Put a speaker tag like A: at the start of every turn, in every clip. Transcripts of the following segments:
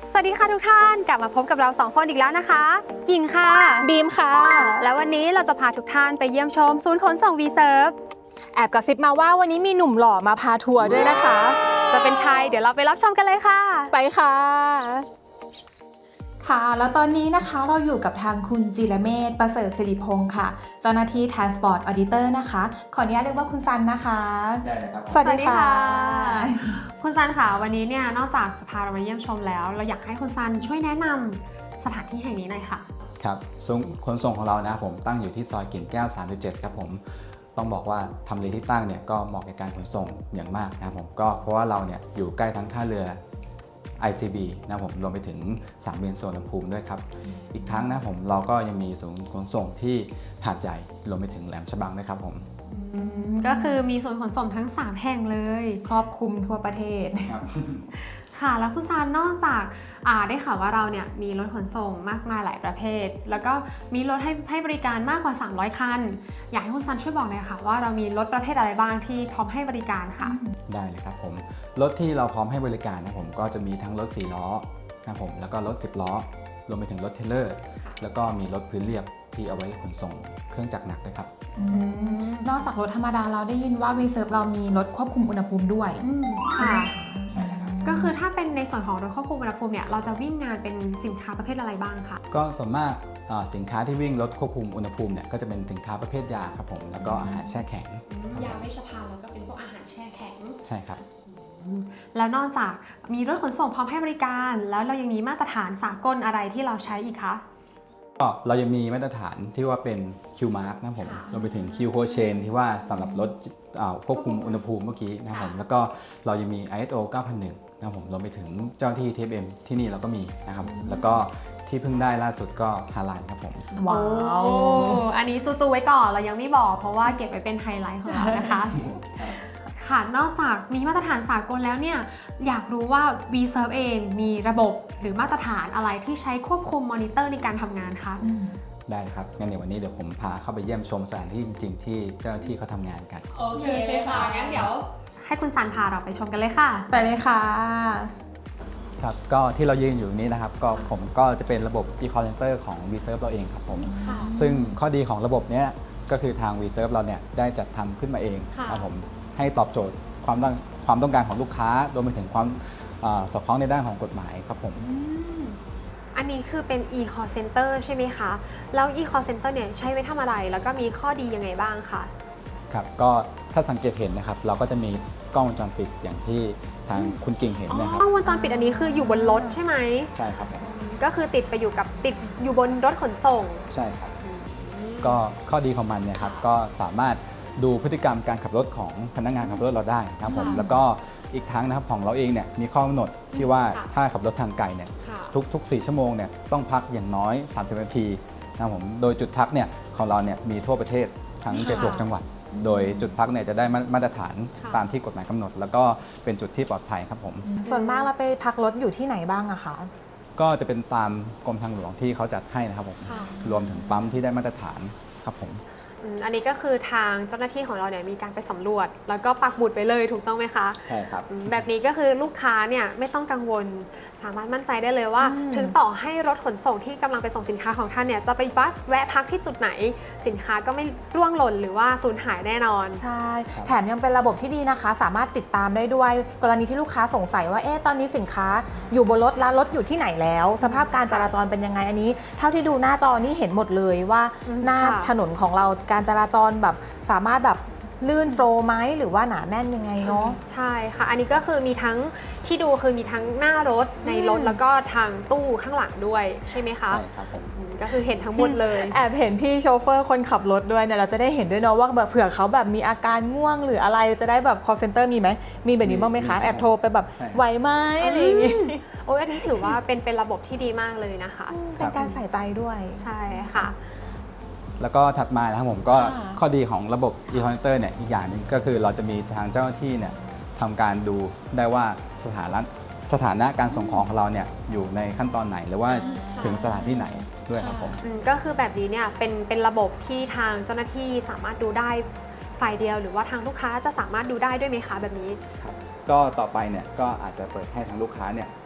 A: สวัสดีค่ะทุกท่านกลับมาพบกับเรา2คนอีกแล้วนะคะกิ่งค่ะ
B: บีมค่ะ
A: แล้ววันนี้เราจะพาทุกท่านไปเยี่ยมชมศูนย์ขนส่ง V-Serve
B: แอบกระซิบมาว่าวันนี้มีหนุ่มหล่อมาพาทัวร์ด้วยนะคะ
A: จะเป็นใครเดี๋ยวเราไปรับชมกันเลยค่ะ
B: ไปค่ะ
C: ค่ะแล้วตอนนี้นะคะเราอยู่กับทางคุณจิรเมธประเสริฐศิริพงศ์ค่ะเจ้าหน้าที่ Transport Auditor นะคะขออนุญาตเรียกว่าคุณซันนะคะ
D: ได้เลยครับ
C: สวัสดีค่ะ
A: คุณซันค่ะวันนี้เนี่ยนอกจากจะพาเรามาเยี่ยมชมแล้วเราอยากให้คุณซันช่วยแนะนำสถานที่แห่งนี้หน่อยค่ะ
D: ครับศูนย์ขนส่งของเรานะครับผมตั้งอยู่ที่ซอยกิ่งแก้ว 37 ครับผมต้องบอกว่าทำเลที่ตั้งเนี่ยก็เหมาะกับการขนส่งอย่างมากนะครับผมก็เพราะว่าเราเนี่ยอยู่ใกล้ทั้งท่าเรือ ICB นะครับผมรวมไปถึงสนามบินสุวรรณภูมิด้วยครับอีกทั้งนะครับผมเราก็ยังมีศูนย์ขนส่งที่หาดใหญ่รวมไปถึงแหลมฉบังด้วยครับผม
A: ก็คือมีศูนย์ขนส่งทั้ง3แห่งเลย
C: ครอบคลุมทั่วประเทศ
A: ค่ะแล้วคุณซานนอกจากได้ข่าวว่าเราเนี่ยมีรถขนส่งมากมายหลายประเภทแล้วก็มีรถให้บริการมากกว่า300คันอยากให้คุณซานช่วยบอกหน่อยค่ะว่าเรามีรถประเภทอะไรบ้างที่พร้อมให้บริการค่ะ
D: ได้เลยครับผมรถที่เราพร้อมให้บริการนะผมก็จะมีทั้งรถ4ล้อนะครับผมแล้วก็รถ10ล้อรวมไปถึงรถเทรลเลอร์แล้วก็มีรถพื้นเรียบที่เอาไว้ขนส่งเครื่องจักรหนักด้วยครับ
C: นอกจากรถธรรมดาเราได้ยินว่า V-Serve เรามีรถควบคุมอุณหภูมิด้วย
A: ค่ะ
D: ใช่แล้วครับ
A: ก็คือถ้าเป็นในส่วนของรถควบคุมอุณหภูมิเนี่ยเราจะวิ่งงานเป็นสินค้าประเภทอะไรบ้างคะ
D: ก็ส่วนมากสินค้าที่วิ่งรถควบคุมอุณหภูมิเนี่ยก็จะเป็นสินค้าประเภทยาครับผมแล้วก็อาหารแช่แข็ง
A: ยาเวชภัณฑ์แล้วก็เป็นพวกอาหารแช่แข็ง
D: ใช่ครับ
A: แล้วนอกจากมีรถขนส่งพร้อมให้บริการแล้วเรายังมีมาตรฐานสากลอะไรที่เราใช้อีกคะ
D: ก็เรายังมีมาตรฐานที่ว่าเป็น Q-Mark นะผมรวมไปถึง Q Cold Chain ที่ว่าสำหรับรถควบคุมอุณหภูมิเมื่อกี้นะครับผมแล้วก็เรายังมี ISO 9001นะครับผมรวมไปถึงเจ้าที่ TFM ที่นี่เราก็มีนะครับแล้วก็ที่เพิ่งได้ล่าสุดก็ฮาลาลครับผม
C: ว้าว
A: อันนี้จูๆไว้ก่อนเรายังไม่บอกเพราะว่าเก็บไว้เป็นไฮไลท์ของเรานะคะค่ะนอกจากมีมาตรฐานสากลแล้วเนี่ยอยากรู้ว่า V-Serve เองมีระบบหรือมาตรฐานอะไรที่ใช้ควบคุมมอนิเตอร์ในการทำงานคะ
D: ได้ครับงั้นเดี๋ยววันนี้เดี๋ยวผมพาเข้าไปเยี่ยมชมสถานที่จริงๆที่เจ้าหน้าที่เขาทำงานกัน
A: โอเคเลยค่ะงั้นเดี๋ยวให้คุณซันพาเราไปชมกันเลยค่ะ
C: ไปเลยค่ะ
D: ครับก็ที่เรายืนอยู่นี้นะครับก็ผมก็จะเป็นระบบ e-call center ของ V-Serve เราเองครับผมซึ่งข้อดีของระบบนี้ก็คือทาง V-Serve เราเนี่ยได้จัดทำขึ้นมาเองครับผมให้ตอบโจทย์ความต้องการของลูกค้ารวมไปถึงความสอดคล้องในด้านของกฎหมายครับผม
A: อันนี้คือเป็น e-call center ใช่ไหมคะแล้ว e-call center เนี่ยใช้ไว้ทำอะไรแล้วก็มีข้อดียังไงบ้างคะ
D: ครับก็ถ้าสังเกตเห็นนะครับเราก็จะมีกล้องวงจรปิดอย่างที่ทางคุณกิ่งเห็นนะครับ
A: กล้องวงจรปิดอันนี้คืออยู่บนรถใช่ไหม
D: ใช่ครับ
A: ก็คือติดอยู่บนรถขนส่ง
D: ใช่ครับก็ข้อดีของมันเนี่ยครับก็สามารถดูพฤติกรรมการขับรถของพนักงานขับรถเราได้นะครับผมแล้วก็อีกทั้งนะครับของเราเองเนี่ยมีข้อกำหนดที่ว่าถ้าขับรถทางไกลเนี่ยทุก4ชั่วโมงเนี่ยต้องพักอย่างน้อย30นาทีนะครับผมโดยจุดพักเนี่ยของเราเนี่ยมีทั่วประเทศทั้ง76จังหวัดโดยจุดพักเนี่ยจะได้มาตรฐานตามที่กฎหมายกำหนดแล้วก็เป็นจุดที่ปลอดภัยครับผม
C: ส่วนมากเราไปพักรถอยู่ที่ไหนบ้างอะคะ
D: ก็จะเป็นตามกรมทางหลวงที่เขาจัดให้นะครับผมรวมถึงปั๊มที่ได้มาตรฐานครับผม
A: อันนี้ก็คือทางเจ้าหน้าที่ของเราเนี่ยมีการไปสำรวจแล้วก็ปักหมุดไปเลยถูกต้องไหมคะ
D: ใช่ครับ
A: แบบนี้ก็คือลูกค้าเนี่ยไม่ต้องกังวลสามารถมั่นใจได้เลยว่าถึงต่อให้รถขนส่งที่กำลังไปส่งสินค้าของท่านเนี่ยจะไปแวะพักที่จุดไหนสินค้าก็ไม่ร่วงหล่นหรือว่าสูญหายแน่นอน
C: ใช่แถมยังเป็นระบบที่ดีนะคะสามารถติดตามได้ด้วยกรณีที่ลูกค้าสงสัยว่าตอนนี้สินค้าอยู่บนรถแล้วรถอยู่ที่ไหนแล้วสภาพการจราจรเป็นยังไงอันนี้เท่าที่ดูหน้าจอนี่เห็นหมดเลยว่าหน้าถนนของเราการจราจรแบบสามารถแบบลื่นโฟล์ไหมหรือว่าหนาแน่นยังไงเนาะ
A: ใช่ค่ะอันนี้ก็คือมีทั้งที่ดูคือมีทั้งหน้ารถในรถแล้วก็ทางตู้ข้างหลังด้วยใช่ไหมคะ
D: ใช่ครับผม
A: ก็คือเห็นทั้งหมดเลย
C: แอบเห็นพี่โชเฟอร์คนขับรถด้วยเนี่ยเราจะได้เห็นด้วยเนาะว่าแบบเผื่อเขาแบบมีอาการง่วงหรืออะไรจะได้แบบ call center มีไหมมีแบบนี้บ้างไหมคะแอบโทรไปแบบไหวไหมอะไรอย่างงี้
A: โอ้ยอันนี้ถือว่าเป็นระบบที่ดีมากเลยนะคะ
C: เป็นการใส่ใจด้วย
A: ใช่ค่ะ
D: แล้วก็ถัดมานะครับผมก็ข้อดีของระบบ e-call center เนี่ยอีกอย่างนึงก็คือเราจะมีทางเจ้าหน้าที่เนี่ยทำการดูได้ว่าสถานะการส่งของเราเนี่ยอยู่ในขั้นตอนไหนหรือว่าถึงสถานที่ไหนด้วยครับผม
A: ก็คือแบบนี้เนี่ยเป็นระบบที่ทางเจ้าหน้าที่สามารถดูได้ฝ่ายเดียวหรือว่าทางลูกค้าจะสามารถดูได้ด้วยไหมคะแบบนี้
D: ครับก็ต่อไปเนี่ยก็อาจจะเปิดให้ทางลูกค้าเนี่ยเข้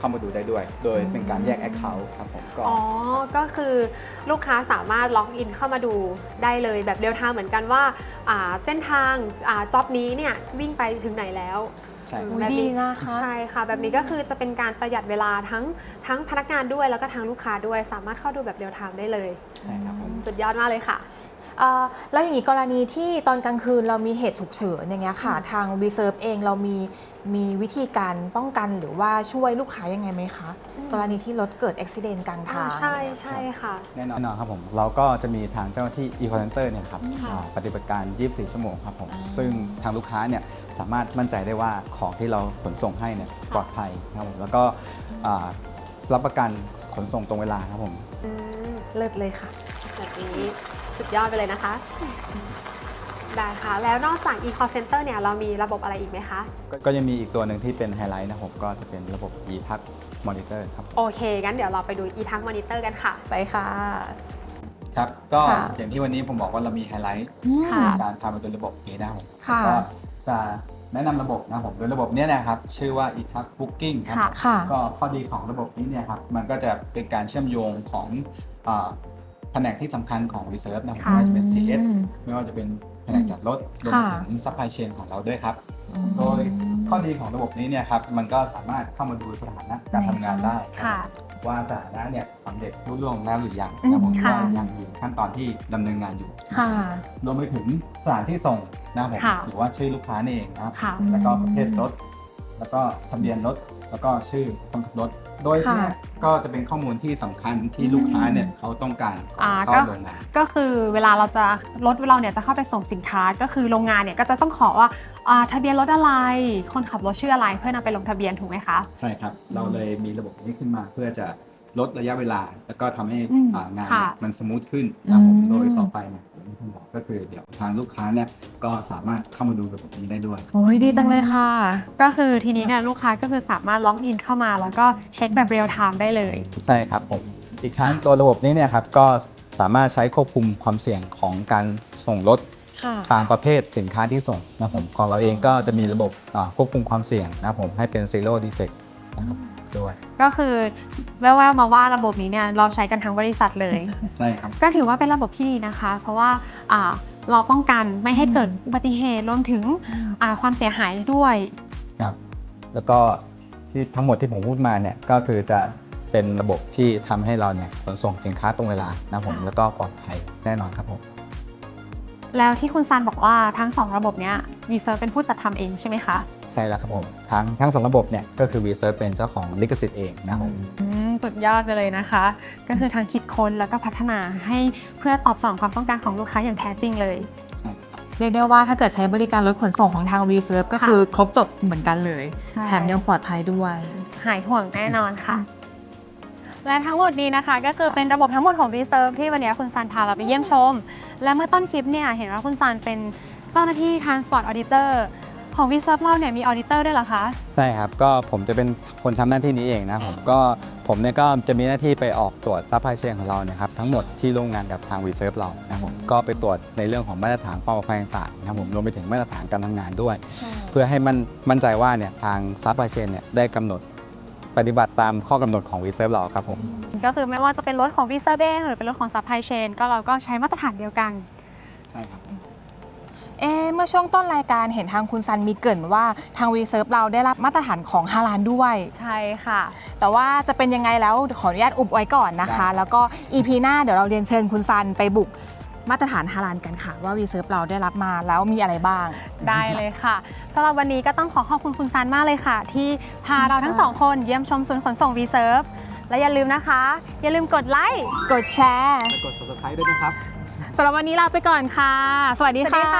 D: ามาดูได้ด้วย โดยเป็นการแยก Account ครับผมก็
A: อ๋อ ก็คือลูกค้าสามารถล็อกอินเข้ามาดูได้เลยแบบเรียลไทม์เหมือนกันว่าเส้นทางจ็อบนี้เนี่ยวิ่งไปถึงไหนแล้ว
D: ใช่ครับ
C: อุ๊ยดีนะคะ
A: ใช่ค่ะ แบบนี้ก็คือจะเป็นการประหยัดเวลาทั้งพนักงานด้วยแล้วก็ทั้งลูกค้าด้วยสามารถเข้าดูแบบเรียลไทม์ได้เลย
D: ใช่ครับผม
A: สุดยอดมากเลยค่ะ
C: แล้วอย่างนี้กรณีที่ตอนกลางคืนเรามีเหตุฉุกเฉินอย่างเงี้ยค่ะ ทาง Reserve เองเรามีวิธีการป้องกันหรือว่าช่วยลูกค้ายังไงไหมคะ กรณีที่รถเกิดอุบิเหตุกลางทาง
A: ใช่ใช่ค่ะ
D: แน่นอนครับผมเราก็จะมีทางเจ้าหน้าที่ e-call center เนี่ยครับ
B: ค่ะ
D: ปฏิบัติการ 24 ชั่วโมงครับผม
B: อ่า
D: ซึ่งทางลูกค้าเนี่ยสามารถมั่นใจได้ว่าของที่เราขนส่งให้เนี่ยปลอดภัยครับผมแล้วก็รับประกันขนส่งตรงเวลาครับผม
A: อืม
C: เลิศเลยค่ะ
A: แบบนี้สุดยอดไปเลยนะคะ ได้ค่ะ แล้วนอกจาก e-call center เนี่ยเรามีระบบอะไรอีกไหมคะ
D: ก็ยังมีอีกตัวหนึ่งที่เป็นไฮไลท์นะครับผมก็จะเป็นระบบ e-tax monitor ครับ
A: โอเค งั้นเดี๋ยวเราไปดู e-tax monitor กันค่ะ
C: ไปค่ะ
D: ครับก็
C: ค่ะ
D: อย่างที่วันนี้ผมบอกว่าเรามีไฮไลท์
A: ค่ะ
D: ในการทำเป็นระบบนี้นะครับผม
C: ค่ะ
D: ก็จะแนะนำระบบนะครับผมโดยระบบเนี้ยนะครับชื่อว่า e-tax booking ครับผม
C: ค่ะ
D: ก็ข้อดีของระบบนี้เนี่ยครับมันก็จะเป็นการเชื่อมโยงของแผนกที่สำคัญของ Reserve นะครับ
A: ค่ะ
D: ไม่ว่าจะเป็น CS ไม่ว่าจะเป็นแผนกจัดรถรวมไป
C: ค่ะ
D: ถึง supply chain ของเราด้วยครับ โดยข้อดีของระบบนี้เนี่ยครับมันก็สามารถเข้ามาดูสถานะการทำงานได้
A: ค่ะ
D: ว่าสถานะเนี่ยสำเร็จรุ่ล่วงแล้วหรือยังนะครับผม
A: ค่ะ
D: ว่ายังอยู่ขั้นตอนที่ดำเนินงานอยู่
C: ค่ะ
D: รวมไปถึงสถานที่ส่งนะครับผม
A: ค่ะ
D: หรือว่าชื่อลูกค้านี่เองนะครับ
A: ค่ะ
D: แล้วก็ประเภทรถ แล้วก็ทะเบียนรถ แล้วก็ชื่อคนขับรถ โดย
C: ค่ะ
D: เนี่ยก็จะเป็นข้อมูลที่สำคัญที่ลูกค้าเนี่ยเขาต้องการก่อน
A: ก็
D: เข้าโรงงาน
A: ก็คือเวลาเราจะรถเราเนี่ยจะเข้าไปส่งสินค้า ก็คือโรงงานเนี่ยก็จะต้องขอว่าทะเบียนรถอะไร คนขับรถชื่ออะไรเพื่อนำไปลงทะเบียนถูกไหมคะ
D: ใช่ครับ เราเลยมีระบบนี้ขึ้นมาเพื่อจะลดระยะเวลา แล้วก็ทำให้
A: อืม
D: งาน
A: ค่ะ
D: เนี่ยมันสมูทขึ้นนะครับผม
C: อืม
D: โดยต่อไปเนี่ยผมที่ผมบอกก็คือเดี๋ยวทางลูกค้าเนี่ยก็สามารถเข้ามาดูระบบนี้ได้ด้วย
C: โอ้ยดีจังเลยค่ะ
A: ก็คือทีนี้เนี่ยลูกค้าก็คือสามารถล็อกอินเข้ามาแล้วก็เช็คแบบเรียลไทม์ได้เลย
D: ใช่ครับผมอีกทั้งตัวระบบนี้เนี่ยครับก็สามารถใช้ควบคุมความเสี่ยงของการส่งรถ
C: ค่ะ
D: ตามประเภทสินค้าที่ส่งนะครับผมของเราเองก็จะมีระบบควบคุมความเสี่ยงนะครับผมให้เป็น zero defect นะครับด้วย
A: ก็คือแว่วๆมาว่าระบบนี้เนี่ยเราใช้กันทั้งบริษัทเลย
D: ใช่ครับ
A: ก็ถือว่าเป็นระบบที่ดีนะคะ เพราะว่าเราป้องกันไม่ให้เกิดอุบัติเหตุรวมถึงความเสียหายด้วย
D: ครับแล้วก็ที่ทั้งหมดที่ผมพูดมาเนี่ยก็คือจะเป็นระบบที่ทำให้เราเนี่ยขนส่งสินค้าตรงเวลานะครับผมแล้วก็ปลอดภัยแน่นอนครับผม
A: แล้วที่คุณซันบอกว่าทั้ง2ระบบเนี้ย Reserve เป็นผู้จัดทำเองใช่ไหมคะ
D: ใช่แล้วครับผมทั้งสองระบบเนี่ยก็คือ Reserve เป็นเจ้าของลิขสิทธิ์เองนะครับผม
A: สุดยอดไปเลยนะคะ ก็คือทางคิดค้นแล้วก็พัฒนาให้เพื่อตอบสนองความต้องการของลูกค้าอย่างแท้จริงเลย
B: เรียกได้ว่าถ้าเกิดใช้บริการรถขนส่งของทาง Reserve ก็คือครบจบเหมือนกันเลย
A: ใช่
B: แถมยังปลอดภัยด้วย
A: หายห่วงแน่นอนค่ะ และทั้งหมดนี้นะคะก็คือเป็นระบบทั้งหมดของ Reserve ที่วันนี้คุณซันพาเราไปเยี่ยมชม และเมื่อต้นคลิปเนี่ยเห็นว่าคุณซันเป็นเจ้าหน้าที่ Transport Auditor ของ Reserve เราเนี่ยมี Auditor ด้วยเหรอคะ
D: ใช่ครับก็ผมจะเป็นคนทำหน้าที่นี้เองนะผมเนี่ยก็จะมีหน้าที่ไปออกตรวจซัพพลายเชนของเราเนี่ยครับทั้งหมดที่ร่วมงานกับทาง Reserve เรานะครับผมก็ไปตรวจในเรื่องของมาตรฐานความปลอดภัยต่างๆนะครับผมรวมไปถึงมาตรฐานการทำงานด้วย เพื่อให้มั่นใจว่าเนี่ยทางซัพพลายเชนเนี่ยได้กำหนดปฏิบัติตามข้อกำหนดของ Reserve เราครับผม
A: ก็คือไม่ว่าจะเป็นรถของ Reserve เองหรือเป็นรถของ Supply Chain ก็เราก็ใช้มาตรฐานเดียวกัน
D: ใช่ครับ
C: เมื่อช่วงต้นรายการเห็นทางคุณซันมีเกริ่นว่าทาง Reserve เราได้รับมาตรฐานของฮาลาลด้วย
A: ใช่ค่ะ
C: แต่ว่าจะเป็นยังไงแล้วขออนุญาตอุบไว้ก่อนนะคะ แล้วก็ EP หน้าเดี๋ยวเราเรียนเชิญคุณซันไปบุกมาตรฐานฮาลาลกันค่ะ ว่า Reserve เราได้รับมาแล้วมีอะไรบ้าง
A: ได้เลยค่ะสำหรับวันนี้ก็ต้องขอบคุณคุณซันมากเลยค่ะ ที่พาเราทั้งสองคนเยี่ยมชมศูนย์ขนส่ง Reserve และอย่าลืมนะคะ อย่าลืมกดไลค์
C: กดแชร์
D: และกด Subscribe ด้วยนะครับ
C: สำหรับวันนี้ลาไปก่อนค่ะ สวัสดี
A: สวัสดีค่ะ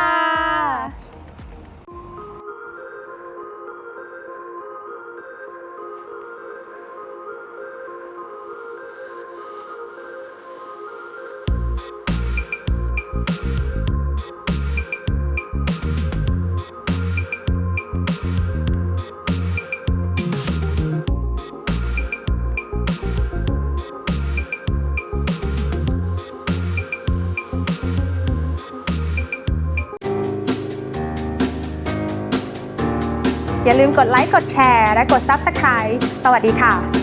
A: อย่าลืมกดไลค์ กดแชร์ และกด Subscribe สวัสดีค่ะ